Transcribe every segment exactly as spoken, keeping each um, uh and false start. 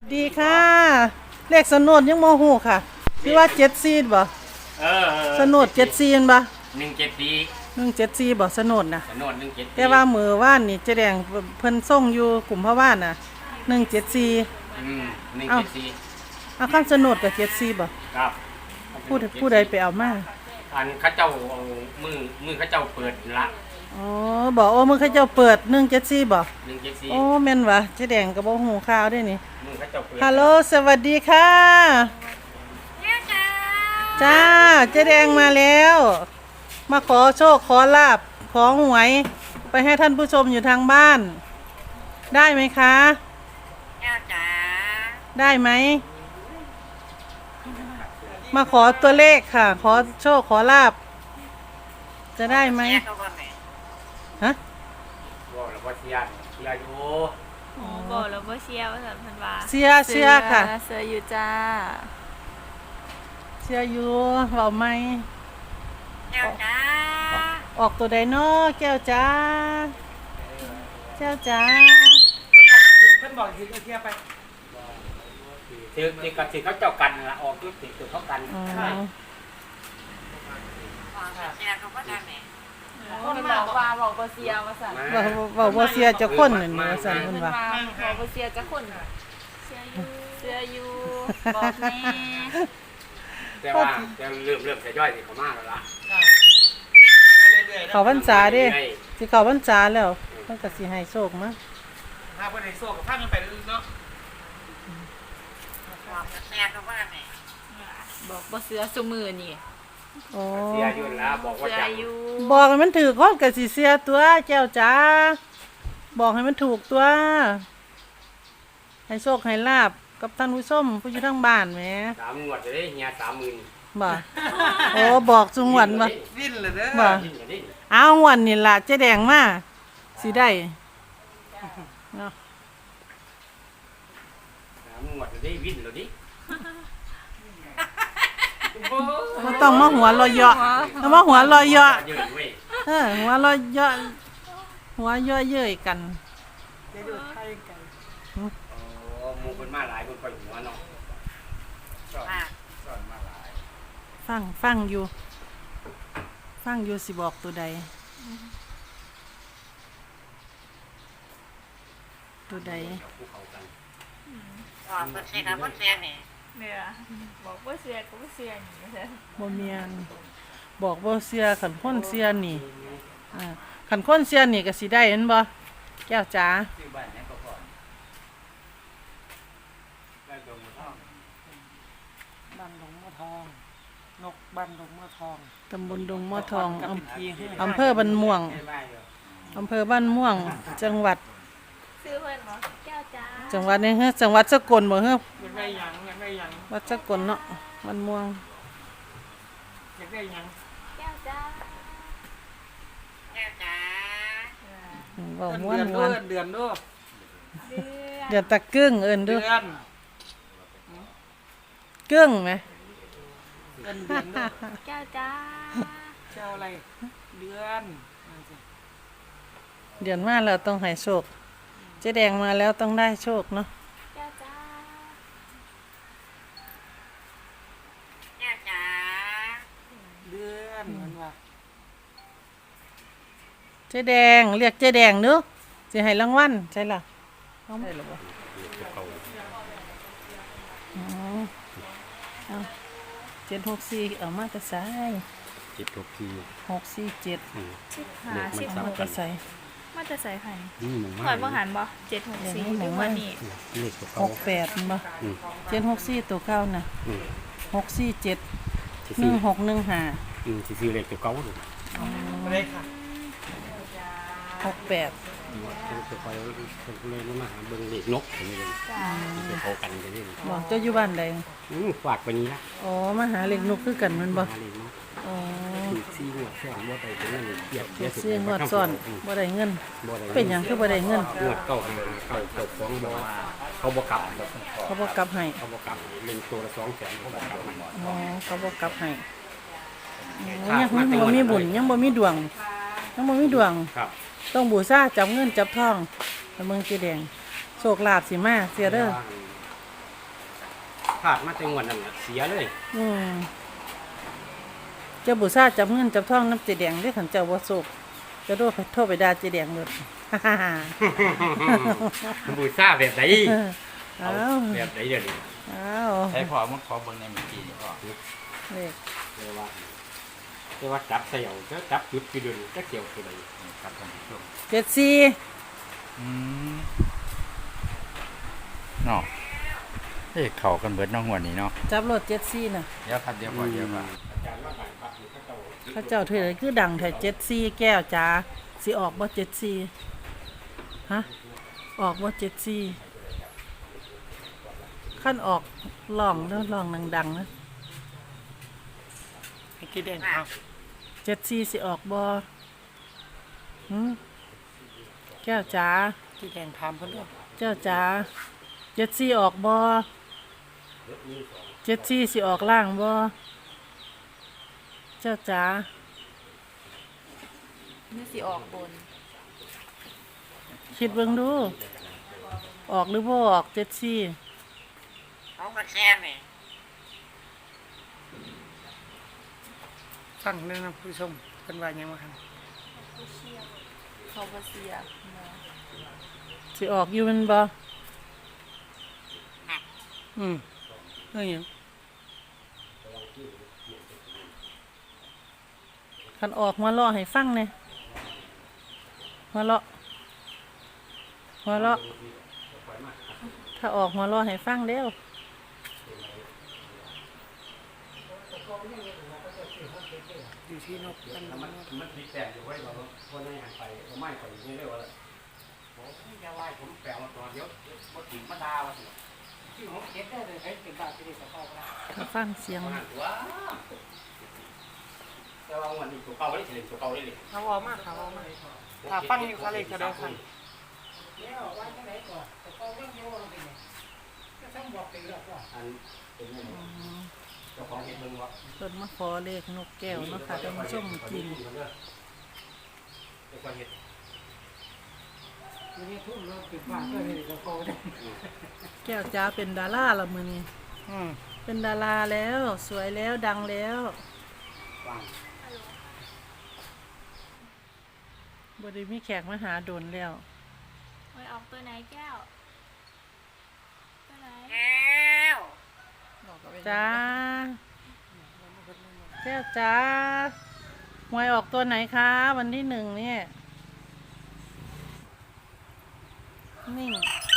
ดีค่ะเลขสนุดยังโมโหค่ะคือว่าเจ็ดซีดบ่เออสนุดเจ็ดซีนบ่หนึ่งเจ็ดปีหนึ่งเจ็ดซีบ่สนุดนะสนุดหนึ่งเจ็ดปีแต่ว่ามือว่านนี่เจแดงเพิ่นส่งอยู่กลุ่มพระว่านน่ะหนึ่งเจ็ดซีอืมหนึ่งเจ็ดสี่เอาข้ามสนุดกับเจ็ดซีบ่ครับผู้ผู้ใดไปเอามาอันเข้าเจ้าเอามือมือเข้าเจ้าเปิดละอ๋อบอกโอ้มือเขาเจ้าเปิดหนึ่งเจ็ดซีบ่หนึ่งเจ็ดสี่โอ้แม่นวะเจแดงก็บ่ฮู้ข่าวด้วยนี่มือเข้าเจ้าเปิดฮัลโหลสวัสดีค่ะจ้าเจแดงมาแล้ว มาขอโชคขอลาบขอหวยไปให้ท่านผู้ชมอยู่ทางบ้าน ได้ไหมคะจ้าได้ไหมมาขอตัวเลขค่ะ ขอโชคขอลาบจะได้ไหมฮะบอกแล้วว่าเสียเสียอยู่อ๋อบอกแล้วว่าเชียร์ว่าสันพันวาเสียเสียค่ะเสียอยู่จ้าเสียอยู่เบาไหมแก้วจ้าออกตัวไดโนแก้วจ้าแก้วจ้าเพิ่นบอกถือเทียไปถือถือกับถือเขาเจ้ากันละออกยุติถือเขากันเชียร์เขาก็ได้ไหมคนบอกว่าบอกว่าเชียร์ว่าสันบอกว่าเสียจะคนหนึ่งว่าสันคนว่าบอกว่าเชียร์จะคนเชียร์อยู่เชียร์อยู่บอกแม่แต่ว่าแต่เริ่มเริ่มจะย่อยสิเขามากแล้วล่ะเขาพรรษาดิสิเขาพรรษาแล้วมันก็สิให้โชคมั้งถ้าเพิ่นให้โชคกับพามันไปลึกเนาะบอกแม่เขาว่าไงบอกว่าเสือสุมือนี่โอ้เสียอยู่แล้วบอกว่าจะบอกให้มันถูกคนกับสิเสียตัวแก้วจ้าบอกให้มันถูกตัวให้โชคให้ลาบกับท่านผู้ชมผู้อยู่ทั้งบ้านแหมสามงวดจะได้เฮียสามหมื่นบ่โอ้บอกจุงหวันบ่วิ่นเลยเด้อบ่เอาหวันนี่ล่ะเจ๊แดงมาสิได้เนาะสามงวดจะได้วิ่นแล้วดิบ่ต้องมาหัวลอยเยาะต้องมาหัวลอยเยาะเออหัวลอยเยาะหัวเยาะเย้ยกันจะอยู่ไทยกันอ๋อหมู่เพิ่นมาหลายเพิ่นไปหัวเนาะสอนสอนมาหลายฟังฟังอยู่ฟังอยู่สิบอกตัวใดตัวใดบอกเพิ่นเสียกับเพิ่นเสียนี่เนี่ยบอกว่าเสียกับว่าเสียนี่ใช่บ่เมียนบอกบ่เสียขันคนเสียนี่อ่าขันคนเสียนี่ก็สิได้เห็นบ่แก้วจ๋าบ้านดงมะทองนกบ้านดงมะทองตำบลดงมะทองอำเภอบ้านม่วงอำเภอบ้านม่วงจังหวัดซื้อเพิ่นบ่แก้วจ้าจังหวัดนี้เฮ้จังหวัดสกลบ่เฮ้อยากได้หยังอยากได้หยังวัดสกลเนาะบ้านม่วงอยากได้หยังแก้วจ้าแก้วจ้าบ่ม่วนม่วนเดือนเด้อเดือนตะกึ้งเอิ้นเด้อเดือนกึ้งไหมเดือนเดือนเด้อแก้วจ้าเจ้าอะไรเดือนเดือนมาแล้วต้องให้โชคเจ๊แดงมาแล้วต้องได้โชคเนาะแก้วจ้าแก้วจ้าเดือนมันว่าเจ๊แดงเรียกเจ๊แดงเด้อสิให้รางวัลใช่ล่ะได้หรอบ่อ๋อเอาเจ็ดหกสี่เอามาแต่ใส่เจ็ดหกสี่หกสี่เจ็ดสิบห้าสิบหกแต่ใส่มาจะใส่ไข่นี่หมูหอยบ่หันบ่เจ็ดหกสี่ทุกวันนี้หกแปดบ่เจ็ดหกสี่ตัวเก้าน่ะหกสี่เจ็ดหนึ่งหกหนึ่งห้าอืมสี่เลขตัวเก้าเลยเลยค่ะหกแปดตัวเก้าเลยมาหาเบิ่งเลขนกอย่างนี้เลยจะโทรกันอย่างนี้บอกเจ้าอยู่บ้านใดอืมฝากไปนี้ละอ๋อมาหาเลขนกคือกันมันบ่อ๋อสี่งวดซ้อนบ่ได้เงินเกียบเกียบสี่งวดซ้อนบ่ได้เงินเป็นหยังคือบ่ได้เงินงวดเก้าหาเก้าเก้าสองบ่เขาบ่กลับเขาบ่กลับให้เขาบ่กลับเล่นตัวละสองแสนเขาบ่กลับให้อ๋อเขาบ่กลับให้ยังบ่มีบุญยังบ่มีดวงยังบ่มีดวงต้องบูชาจับเงินจับทองแล้วเมืองเจ๊แดงโชคลาภสิมาเสียเด้อพลาดมาแต่งวดนั้นน่ะเสียเลยอืมเจ้าบุษราจับเงินจับทองน้ำเจแดงได้ขันเจ้าบ่สุกจะโดนโทษไปด่าเจแดงเลยบูชาแบบไหนเอ้าเอาแบบไหนเดี๋ยวนี้เอ้าใช้พอมันขอเบิ่งในเมื่อกี้นี่พอเลขเรียกว่าเรียกว่าจับเสี่ยวจะจับจุดกี่เดือนจะเกี่ยวคือใดนี่ครับท่านผู้ชมเจ็ดสี่อืมเนาะเอ้ยเข้ากันเบิดเน้องหัวนี้เนาะจับรถเจ็ดสี่น่ะเดี๋ยวครับเดี๋ยวพอเดี๋ยวว่าอาจารย์ว่าบางพักนี่เขาเจ้าเข้าเจ้าเธอเลยคือดังแถ่เจ็ดสี่แก้วจ้าสิออกบ่เจ็ดสี่ฮะออกบ่เจ็ดสี่ขั้นออกลองแล้วลองดังๆนะให้คิดเองเอาเจ็ดสี่สิออกบ่หืมแก้วจ้าคิดเองถามเพิ่นด้วยเจ้าจ๋าเจ็ดสี่ออกบ่เจ็ดสี่สิออกล่างบ่เจ้าจ๋านี่สิออกบนคิดเบิ่งดู ออกหรือบ่ออกเจ็ดสี่เขาก็แค่นี่ฟังเรื่องนะผู้ชมเพิ่นว่าหยังว่าคั่นเขาบ่เสียนะสิออกอยู่แมันบ่อืมเรื่องหยังคันออกมาเลาะให้ฟังแหน่มาเลาะมาเลาะถ้าออกมาเลาะให้ฟังเด้วอยู่ที่นกเพิ่นมันมันติดแต่อยู่ไว้เราเพราะในหันไปเราไม่ไปนี่เรียกว่าอะไรผมอย่าไล่ผมแปลมาตัวเดียวมาถึงมาดาวสิที่ผมเก็บได้เลยให้เป็นบาทที่ได้เข้าได้ถ้าฟังเสียงมันตัวแต่ว่าวันนี้ตัวเก่าได้เลยตัวเก่าได้เลยเอาออกมาเอาออกมาถ้าฟังอยู่เขาเลยก็ได้ค่ะอันเป็นยังไงเจ้าของเห็นมึงวะเพิ่นมาขอเลขนกแก้วเนาะค่ะท่านผู้ชมกินเจ้าของเห็นแก้วจ้าเป็นดาราละมื้อนี้อืมเป็นดาราแล้วสวยแล้วดังแล้วฟังบไดีมีแขกมาหาโดนแล้วไว้ออกตัวไหนแก้ว ตัวไหนจ้าแก้วจ้าหวยออกตัวไหนคะวันที่หนึ่งเนี่ยนิ่ง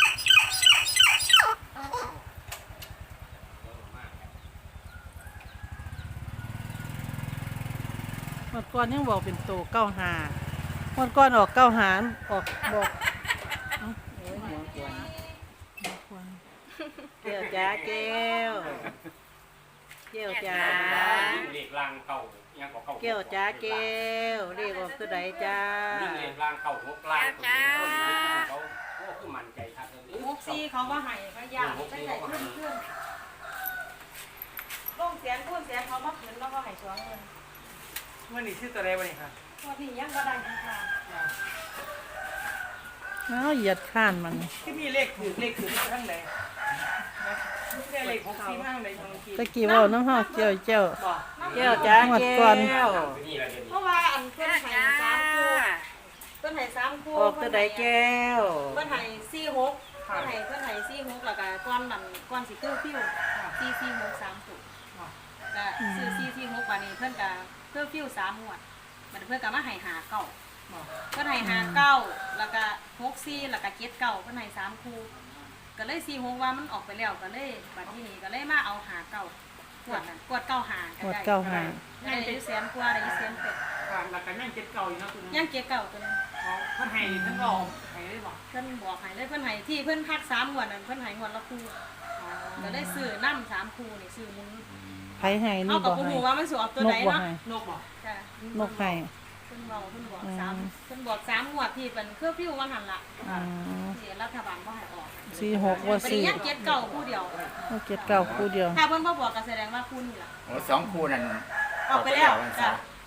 หมดก่อนยังบอกเป็นตัวเก้าหาหมดก่อนออกเก้าหารออกบอกเอ้าโอ้ยหัวกวนหัวกวนแก้วจ้าแก้วแก้วจ้าเรียกลางเก่ายังกว่าเก่าแก้วจ้าแก้วเรียกออกตัวใดจ้านี่เรียกลางเก่าหกลางเขาเขาคือมันใจทักเลยหกซีเขาว่าให้พยายามตั้งแต่ขึ้นขึ้นลงเสียงพูดเสียงเขามาขึ้นแล้วก็ให้สวงเงินวันนี้ชื่อตัวใดวันนี้ค่ะวันนี้ยังก็ได้นะคะเอาเหยียดข้านมันที่มีเลขถือเลขถือทั้งใดนะไม่ได้เลขหกสี่ทั้งใดทางเมื่อกี้ตะกี้เว่าน้ำห้าแก้วแก้วบอกแก้วจ้าหมดก่อนนี่แหละเดี๋ยวนี้เพราะว่าอันเพื่อนให้สามคู่เพื่อนให้สามคู่ออกตัวใดแก้วเพื่อนให้สี่หกเพื่อนให้เพื่อนให้สี่หกแล้วก็ก้อนนั่นก้อนสีเกลือพิ้วสี่สี่หกสามถูกก็ซื้อสี่สี่หกวันนี้เพื่อนก็เกลือพิ้วสามหมวดมันเพื่อนก็มาให้หาเก้าเพื่อนให้หาเก้าแล้วก็หกสี่แล้วก็เจ็ดเก้าเพื่อนให้สามคู่ก็เลยสี่หกว่ามันออกไปแล้วก็เลยบัดที่นี้ก็เลยมาเอาหาเก้ากวดนั่นกวดเก้าหาหมดเก้าหาได้อยูแสนกว่าได้อยูแสนเป็ดค่ะแล้วก็ยังเจ็ดเก่าอยู่เนาะคุณยังเก็บเก่าตัวนึงเพิ่นให้ทั้งก็ให้ได้บอกเพิ่นบอกให้เลยเพิ่นให้ที่เพิ่นพักสามงวดนั่นเพิ่นให้งวดละคู่ก็ได้ซื้อน้ำสามคู่นี่ซื้อหมุนไผให้เอานี่กับ่บผู้ให้หูว่ามันสิออกตัวนกใดบ่เนาะให้นกบอกจ้ะนกให้เพิ่นบอกเพิ่นบอกอืมสามเพิ่นบอกสามงวดที่เป็นเครือพิ้วว่าหั่นล่ะอืมที่รัฐบาลบ่ให้ออกสี่หกว่าบัดสี่นี้ยังเก็บเก่าคู่เดียวเอาเจ็ดเก้าคู่เดียวถ้าเพิ่นบ่บอกก็แสดงว่าคู่นี่ล่ะโอ้สองคู่นั่นออกไปแล้วจ้ะครับ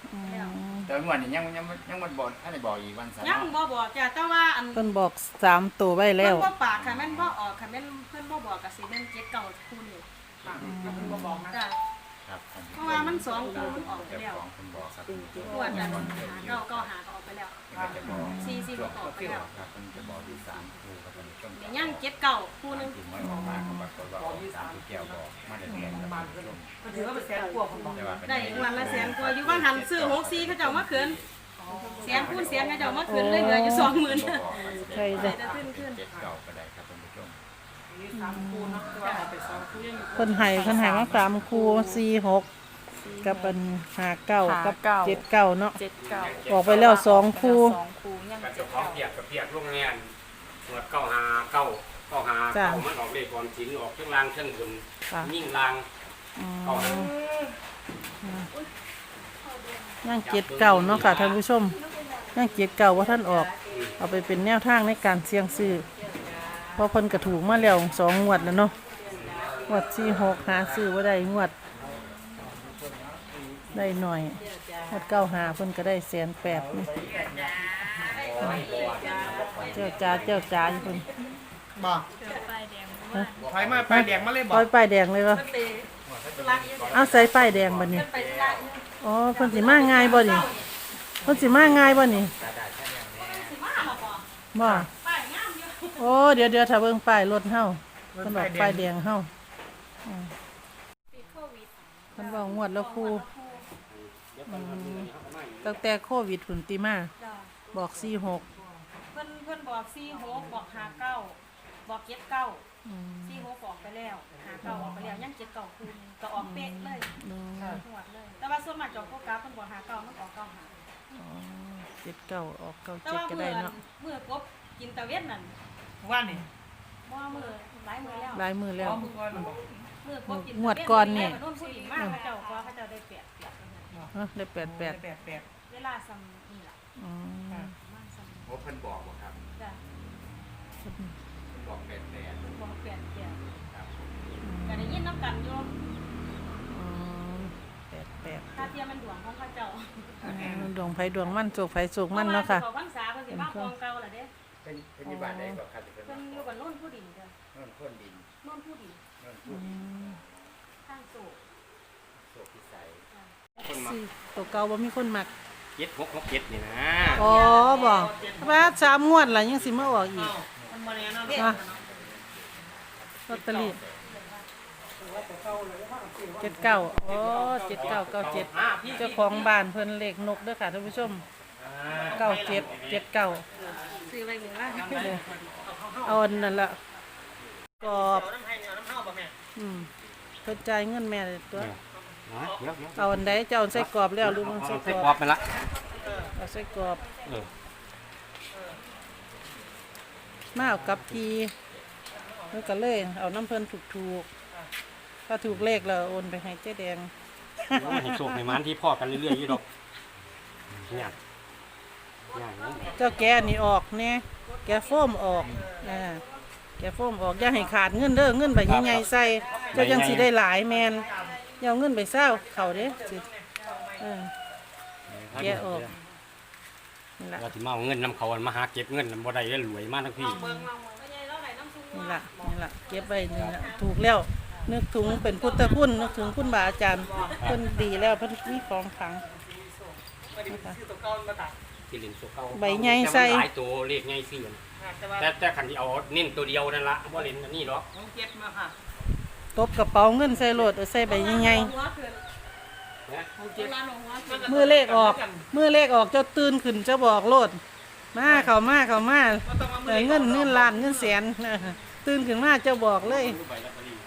อืมแต่งวดนี้ยังยังยังมันบอกท่านได้บอกอีกวันเสาร์ยังเนาะบ่บอกจ้ะแต่ว่าอันเพิ่นบอกสามตัวไว้แล้เพิ่วนบ่ปากค่ะแม่นบ่ออกค่ะแม่นเพิ่นบ่บอกก็สิแม่นเจ็ดเก่าคู่นี่ค่ะแล้วคุณก็บอกนะจ้ะครับเพราะว่ามันสองคู่มันออกไปเจ้าแล้วของคนบอกครับตัวอันนั้นเก้าเก้าหาก็ออกไปแล้วเพิ่นจะบอกสี่สี่ก็ออกไปแล้วครับมันจะบอกที่สามครูครับมันต้องเดี๋ยวย่างเจ็ดเก่าคู่หนึงถึงมันออกมาเขาบอกว่าออกสามที่แก้วบอกมาได้แน่ครับบ้านเพื่อนก็ถือว่าเป็นแสนกว่าคนบอกแต่ว่าเป็นได้วันละแสนกว่าอยู่ว่าหันซื้อหกสี่เขาเจ้ามาคืนแสนคูณแสนเขาเจ้ามาคืนเลยเหลืออยู่สองหมื่นใช่ได้จ้ะแต่ขึ้นขึ้นเจ็ดเก้าก็ได้ครับท่านผู้ชมนี่สามคูนะแต่ว่าเอาไปสองคูยังอยู่เพิ่นให้เพิ่นให้มาสามคู่สี่หกกับอันห้าเก้ากับเจ็ดเก้าเนาะเจ็ดเก้าออกไปแล้วสองคู่สองคู่ยังกับเจ็เจ้าดของเก้าเปียกกับเปียกโรงงานหมวดเก้าหาเก้าเก้าหาเก้ามันออกเลขความสินออกเครื่องรางเครื่องบนค่ะยิ่งรางอืเก้าหามย่างเจ็ดเก้าเนาะค่ะท่านผู้ชมย่างเจ็ดเก้าว่าท่านออก เอาไปเป็นแนวทางในการเสี่ยงซื้อเพราะเพิ่นกระถูกมาแล้วสองงวดแล้วเนาะงวดสี่หกหาซื้อว่าได้งวด ได้หน่อยงวดเก้าหาเพิ่นก็ได้แสนแปดนี่เจ้าจ้าเจ้าจ้าอยู่เพิ่นบอกไฟแดงฮะไฟมาไฟแดงมาเลยบปอล่อก ยป้ายแดงเลยวะเอาใส่ป้ายแดงบัดนี้อ๋อเพิ่นสิมาง่ายบ่นี่เพิ่นสิมาง่ายบ่นี่บ่โอ้เดี๋ยวเดี๋ยวถ้าเบิ่งป้ายรถเฮาเพิ่นบอกป้ายแดงเฮาอืมปีโควิดเพิ่นบอกงวดแล้วครูตั้งแต่โควิดพุ่นติมาจ้ะบอกสี่หกเพิ่นเพิ่นบอกสี่หกบอกหาเก้าบอกเจ็ดเก้าอืมสี่หกออกไปแล้วหาเก้าออกไปแล้วยังเจ็ดเก้าคูณก็ออกเป๊ะเลยอืมหวดเลย แต่ว่าส่วนมากจอกก็กราฟเพิ่นบอกหาเก้ามันออกเก้าหาอ๋อเจ็ดเก้าออกเก้าแต่เจ็ดว่าก็เมื่ได้อเนาะเมื่อกบกินตะเวนนั่นว่านี่บ่มือหลายมือแล้วลายมือแล้วอ๋อมือก่อนมันบอกเมื่อกบกินงวดก่อนนี่แม่นุ่นผู้หญิงมากเขาเจ้าก็เขาเจ้าได้แปดแปดเอ้อได้แปดแปดแปดแปดเวลาซ้ำนี่ล่ะอืมประมาณซ้ำโอ้เพิ่นบอกบ่ครับจ้ะเพิ่นบอกแปดแปดบอกแปดแปดครับก็ได้ยินน้ำกันอยู่อืมแปดแปดถ้าเทียมมันดวงของเขาเจ้าอืมดวงไผดวงมั่นโศกไผโศกมั่นเนาะค่ะพรว่สิบอกพรรษาเพิ่นสิมาคลองเก่าล่ะเด้เป็นเป็นที่บ้านใดบ่ครับที่เพิ่นเพิ่นอยู่กับนุ่นผู้ดินจ้ะโน่นคนดินนุ่นผู้ดินโน่นอืผู้ดินมข้างสูงโสพิสัยคนมาสี่ตัวเก่าบ่มีคนมักเจ็ดหกหกเจ็ดนี่นะอ๋อบ่ว่าสามงวดล่ะยังสิมาออกอีกมันมาเนี่ยนะอ่ะลอตเตอรี่เจ็ดเก้าโอ้เจ็ดเก้าเก้าเจ็ดเจ้าของบ้านเพิ่นเลขนกเด้อค่ะท่านผู้ชมเก้าเจ็ดเจ็ดเก้าซื้อไปเหมือนว่าเอาอันนั่นละกรอบน้ำให้น้ำเท่าป่ะแม่อืมเพิ่นจ่ายเงินแม่เลยตัวนะเดี๋ยวเดี๋ยวเอาอันใดเจ้าเอาใส่กรอบแล้วหรือมันเอาใส่ใส่กกรรออบบไปละเอาใส่กรอบเออมาเอากับพีเพิ่นก็เลยเอาน้ำเพิ่นถูกๆถ้าถูกเลขแล้วโอนไปให้เจ๊แดงแล้วมันให้โชคให้มันที่พ่อกันเรื่อยๆอยู่ดอกเนี่ยอย่างนี้เจ้าแกะนี่ออกแน่แกะโฟมออกอ่าแกะโฟมออกอย่าให้ขาดเงินเด้อเงินใบใหญ่ๆใส่เจ้ายังสิได้หลายแมนอย่าเอาเงินไปเศร้าเขาเด้สิเออ แกะออก นี่ล่ะเราสิมาเอาเงินนำเขามาหาเก็บเงินบ่ได้เลยรวยมากทั้งพี่เบิ่งลองเบิ่งว่าใหญ่แล้วไหนน้ำซุปนี่ล่ะนี่ล่ะเก็บไว้นี่ล่ะถูกแล้ว นึกถึงเป็นพุทธคุณนึกถึงคุณบาอาจารย์เพิ่นดีแล้วเพิ่นมีของขลังไม่ได้ซื้อตัวเก่ามาตัดที่เล่นตัวเก่าใบใหญ่ใส่แต่มันหลายตัวเลขใหญ่ซื่อแต่ว่าแต่แต่คันที่เอาเน้นตัวเดียวนั่นละบ่เล่นอันนี้หรอกน้องเจ็ดมาค่ะตบกระเป๋าเงินใส่โหลดเอาใส่ใบใหญ่หัวขึ้นนะน้องเวเจ็ดลาลงหัวขึ้นๆมือเลขออกมือเลขออกเจ้าตื่นขึ้นเจ้าบอกโลดมาเข้ามาเข้ามาได้เงินเงินล้านเงินแสน ตื่นขึ้นมาเจ้าบอกเลยใบลอตเตอรี่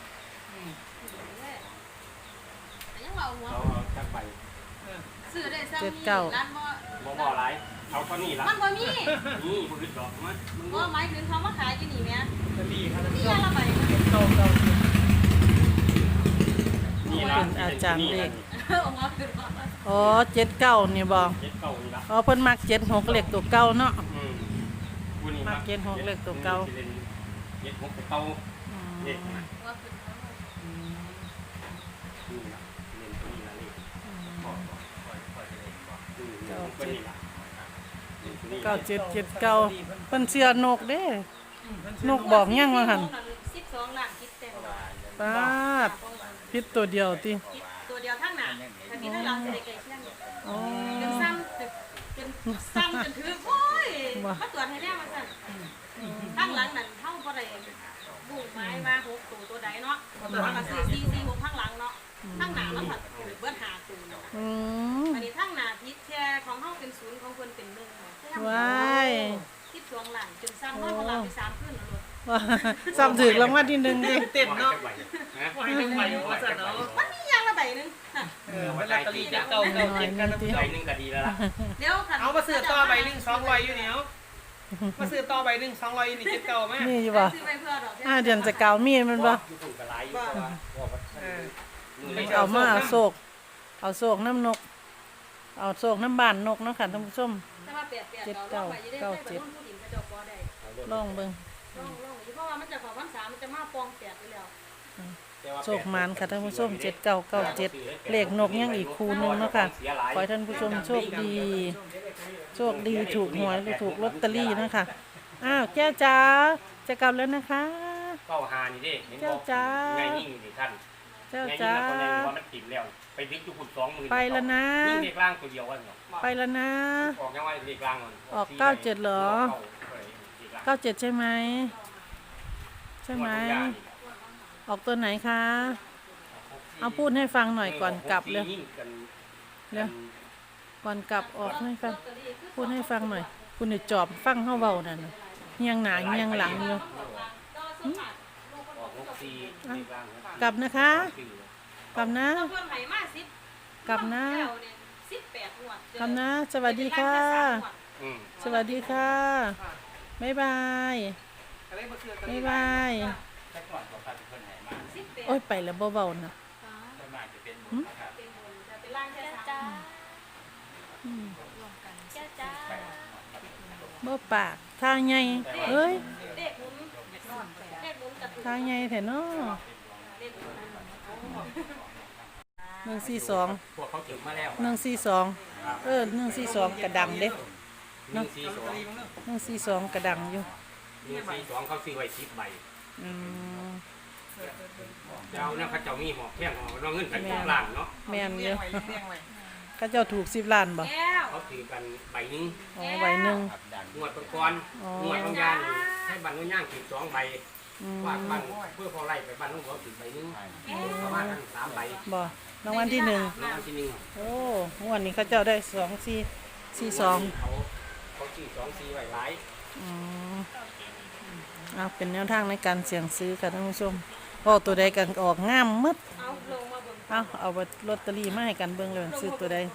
แต่ยังว่าหัวเราเอาจักใบซื้อได้ซ้ำเจ็ดนี่เก้าร้านบ่บ่บ่หลายเอาเท่านี้ละมันบ่มีนี่บ่อึดดอกมันมันบ่หมายถึงเขามาขายอยู่นี่แหม่จะดีครับนี่ยาละใบเก่าเก่านี่ละเป็นอาจารย์เลขเอาหัวขึ้นมาอ๋อเจ็ดเก้านี่บอกเจ็ดเก้านี่ละอ๋อเพิ่นมักเจ็ดหกเลขตัวเก่าเนาะอืมผู้นี่มาเกณฑ์หกเลขตัวเก่าเจ็ดหกตัวเก่าอืมเลขนะหัวขึ้นมานี่ละเล่นตัวนี้ละเลขพ่อบอกค่อยค่อยเล่นก่อนเก้าเป็นเจ็ดนี่ล่ะเก้าเจ็ดเจ็ดเก้าเพิ่นเชื่อนกเด้นกบอกยังว่าหั่นสิบสองล้านคิดเต็มปาดพิษตัวเดียวติคิดตัวเดียวทั้งหนาทันทีทั้งหลังจะได้ไกลเชี่ยงอ๋อจนซ้ำจนซ้ำจนถือโอ้ยมาตรวจให้แน่มาสั่นทั้งหลังนั่นเท่าบ่ได้บุ้งไม้มาหกตัวตัวใดเนาะตัวก็สี่สี่สี่หกทั้งหลังเนาะทั้งหนาแล้วผัดเบิ้ลหาตัวอืมอันนี้ทั้งหนาพิษแช่ของเฮาเป็นศูนย์ของเพิ่นเป็นหนึ่งว้ายคิดสองล้านจนซ้ำเฮาหลังไปสามขึ้นแล้วลูกว่าซ้ำถึกรางวัลที่หนึ่งดิเต็มเนาะฮะว่าให้ทั้งใบว่าสั่นเนาะมันมีอย่างละใบหนึงเออมันลอตเตอรี่จะเก่าเก่าเจ็ดกันนะพี่ใบหนึงก็ดีแล้วล่ะเดี๋ยวค่ะเอามาซื้อต่อใบหนึ่งสองร้อยอยู่เนี่ยมาซื้อต่อใบหนึ่งสองร้อยนี่เจ็ดเก่าไหมมีอยู่บ่ซื้อไปเพื่อดอกอ่าเดือนจะเกามีมันบ่อยู่ถูกกระไรอยู่เพราะว่าเพราะว่าเออมือเอามาเอาโศกเอาโศกน้ำนก เอาโศกน้ำบานนกเนาะค่ะท่านผู้ชมแต่ว่าแปดแปดเก้าเก้าเจ็ดผู้ดินกระจกบ่ได้ลองเบิ่งลองลองเพราะว่ามันจะของวันสามมันจะมาปองแปดไปแล้วโชคมานค่ะท่านผู้ชมเจ็ดเก้าเก้าเจ็ดเลขนกยังอีกคูหนึงเนาะค่ะขอให้ท่านผู้ชมโชคดี โชคดีถูกหวยหรือถูกลอตเตอรี่นะคะอ้าวแก้วจ๋าจะกลับแล้วนะคะเก้าหานี่เด้เห็นเจ้าบอกจ้าไงยิ่งนี่ท่านเจ้าไงยิ่งจ๋าแล้วคนในว่ามันติดแล้วไปวิกอยู่คุณสองหมื่นไปแล้วนะยิ่งเด็กล่างตัวเดียววันเนาะไปแล้วนะออกยังไงเด็กล่างมันออกเก้าเจ็ดเหรอ เก้าเจ็ดใช่ไหมใช่ไหมออกตัวไหนคะเอาพูดให้ฟังหน่อยก่อนกลับเลยเร็วก่อนกลับออกให้ฟังพูดให้ฟังหน่อย คุณเดี๋ยวจอบฟังเข้าเบานั่นน่ะเงียงหนาเงียงหลังอยู่ กลับนะคะ กลับนะเพื่อนไหมาสิบกลับนะสิบแปดงวดกลับนะ สวัสดีค่ะอืมสวัสดีค่ะบ๊ายบายอะไรมาซื้อบ๊ายบายแต่ก่อนเขาพาเพิ่นให้มาสิบแปดโอ้ยไปแล้วเบาๆนะส่วนมากจะเป็นบุญนะครับเป็นบนจะเป็นล่างแค่สามอืมเจ้าจ้าบ่ปากท่าใหญ่เอ้ยเลขหมุนเลขหมุนจะถูกท่าใหญ่แท้เนาะเลขหมุนหนึ่งสี่สองพวกเขาถึงมาแล้วหนึ่งสี่สองเออหนึ่งสี่สองกระดังเด้หนึ่งสี่สองหนึ่งสี่สองกระดังอยู่หนึ่งสี่สองเขาซื้อไว้สิบใบอืมเจ้าเนี่ยเขาเจ้ามีหอกแข้งหอกเราเงินกันทุกล้านเนาะแม่นเยเลี้ยอะงไว้เลี้ยงไว้ข้าเจ้าถูกสิบล้านบ่แก้วเขาถือกันใบหนึงอ๋อใบหนึ่งครับดังงวดก่อนงวดบางยานให้บันนุ่นย่างถือสองใบอืมวาดบันเพื่อพอไล่ไปบันนุ่นหัวถือใบหนึงประมาณนั้นสามใบบ่รางวัลที่หนึ่งรางวัลที่หนึ่งโอ้งวดนี้ข้าเจ้าได้สองสี่สี่สองเขาเขาซื้อสองสี่ใบหลายอืมเอาเป็นแนวทางในการเสี่ยงซื้อค่ะท่านผู้ชมพอตัวใดกันออกงามหมึดเอาลงมาบนเอาเอาลอตเตอรี่มาให้กันเบิ่งเลยซื้อตัวใด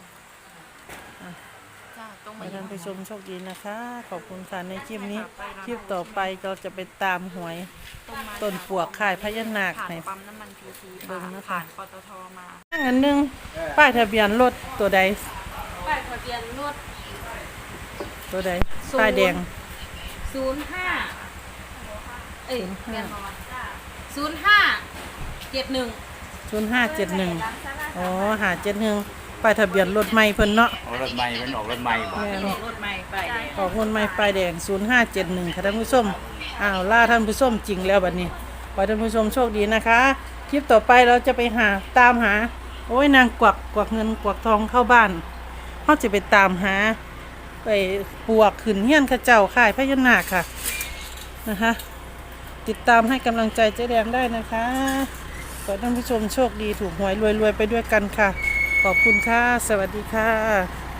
จ้าตรงขอมาให้ท่านผู้ชมโชคดีนะคะ ขอบคุณค่ะในคลิปนี้ คลิปต่อไปเราจะไปตามหวยตรงมาต้นปวกข่ายพญานาคผ่านให้ปั๊มน้ำมันพีทีเบิ่งนะคะผ่านปตทมาอันหนึงป้ายทะเบียนรถตัวใดป้ายทะเบียนรถตัวใดศูนย์ป้ายแดงศูนย์ห้าเอ้ยศูนย์ห้าเรียนมาศูนย์ห้าเจ็ดหนึ่งศูนย์ห้าเจ็ดหนึ่งอ๋อหาเจ็ดหนึ่งป้ายทะเบียนรถใหม่เพิ่นเนาะออกรถใหม่เพิ่นออกรถใหม่บ่แม่นรถใหม่ป้ายแดงออกเงินใหม่ป้ายแดงศูนย์ห้าเจ็ดหนึ่งค่ะท่านผู้ชมอ้าวล่าท่านผู้ชมจริงแล้วบัดนี้ขอให้ท่านผู้ชมโชคดีนะคะ คลิปต่อไปเราจะไปหาตามหา โอ้ยนางกวักกวักเงินกวักทองเข้าบ้านเขาจะไปตามหา ไปปวกขึ้นเฮียนเข้าเจ้าค่ายพญานาคค่ะนะคะ ติดตามให้กำลังใจเจ๊แดงได้นะคะขอให้ท่านผู้ชมโชคดีถูกหวยรวยๆไปด้วยกันค่ะ ขอบคุณค่ะ สวัสดีค่ะ